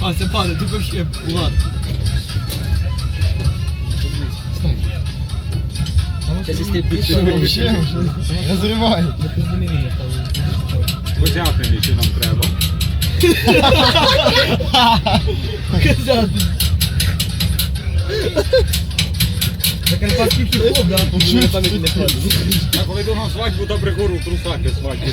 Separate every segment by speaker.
Speaker 1: Ася, падай, ты вообще, Влад. Сейчас если ты
Speaker 2: Розривай.
Speaker 3: Козятини, що нам треба.
Speaker 1: Козятин. Закарпатський хіп-хоп, да?
Speaker 3: Я коли йду на свадьбу, то прикуру в трусах і свадьбу.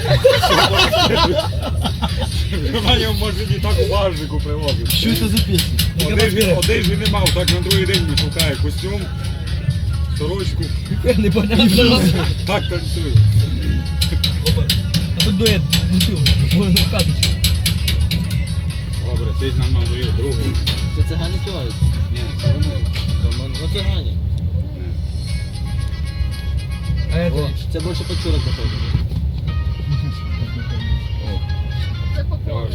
Speaker 3: Вона його може не так у багажнику привозить.
Speaker 2: Що це за пісня?
Speaker 3: Один же не мав, так на другий день не шукає костюм, сорочку.
Speaker 1: Непонятно.
Speaker 3: Так танцює.
Speaker 1: А тут дует бутылку, можно в каточку.
Speaker 3: Добре, ти ж нам навів другу.
Speaker 1: Це цигани співають?
Speaker 3: Ні, це вони.
Speaker 1: Ну цигани. А это? Це більше почурок походу.
Speaker 3: Давай.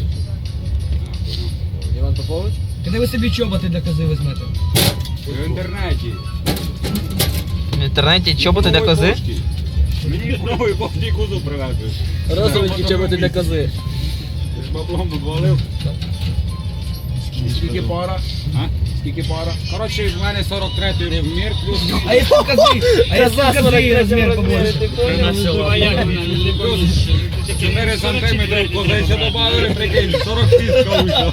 Speaker 1: Іван Попович? Коли ви собі чоботи для кози візьмете?
Speaker 3: В інтернеті.
Speaker 4: В інтернеті чоботи для кози?
Speaker 3: Мені новий повній кузов привезли.
Speaker 1: Розовенькі чоботи для кози.
Speaker 3: Ти ж баблом дозволив. Скільки пара? А? Скільки пара? Коротше, в мене 43-й розмір, плюс...
Speaker 1: А якщо кози? А якщо кози розмір побольше?
Speaker 3: Плюс 4 сантиметри козей ще добавили, прикинь, 40 піска вийшло.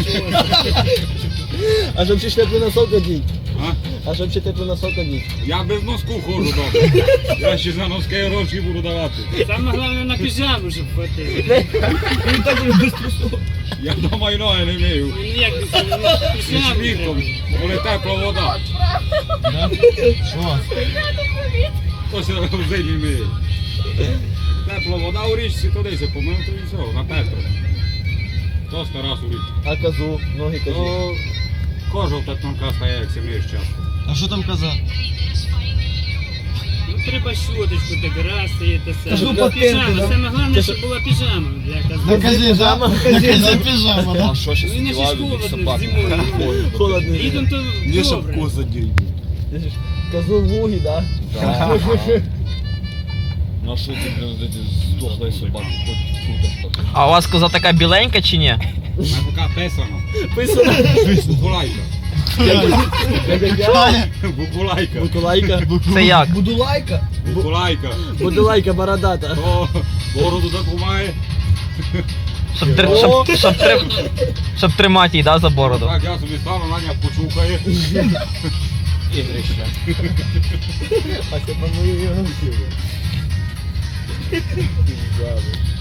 Speaker 1: А щоб ще теплий носок одіть?
Speaker 3: А?
Speaker 1: А щоб ще теплий носок одіть?
Speaker 3: Я без носку ходжу добре. Я ще за носки гроші буду давати.
Speaker 5: Саме головне на піжаму, щоб хватило.
Speaker 1: Він так і без трусов.
Speaker 3: Я вдома і ноги не мию.
Speaker 5: Ну як
Speaker 3: І
Speaker 5: піжаму
Speaker 3: літом, коли тепла вода.
Speaker 2: Що?
Speaker 3: То ще в зимі миє. Тепла вода у річці, туди се помив, то і все, на Петру. То раз у річці.
Speaker 1: А козу? Ноги козі?
Speaker 3: То кожа та тонка стає, як сім'єш часто.
Speaker 2: А що там казати?
Speaker 5: Ну треба щоточку так раз і те
Speaker 1: Кажу,
Speaker 5: саме.
Speaker 1: патенти,
Speaker 5: Піжама,
Speaker 1: да?
Speaker 5: саме головне, щоб була піжама для
Speaker 2: На
Speaker 5: кази.
Speaker 2: казі, да? На казі піжама, да?
Speaker 6: що ще
Speaker 5: Ну і не ж холодно зимою.
Speaker 1: Холодно.
Speaker 5: Літом то
Speaker 6: Не щоб
Speaker 5: добре.
Speaker 6: коза дерев'я.
Speaker 1: Козу в луги, да?
Speaker 6: Да. На що ти, блин, здохлої собаки, хоч тут.
Speaker 4: А у вас коза така біленька чи ні?
Speaker 3: Вона така писана.
Speaker 1: Писано.
Speaker 3: Букулайка.
Speaker 1: Як-як-як?
Speaker 3: Букулайка.
Speaker 1: Букулайка.
Speaker 4: Це як?
Speaker 1: Будулайка?
Speaker 3: Букулайка.
Speaker 1: Будулайка бородата.
Speaker 3: То бороду таку має.
Speaker 4: Щоб тримати її, да, за бороду.
Speaker 3: Так я собі стану, Наня почухає.
Speaker 6: Ігрище.
Speaker 1: А це по-моєму.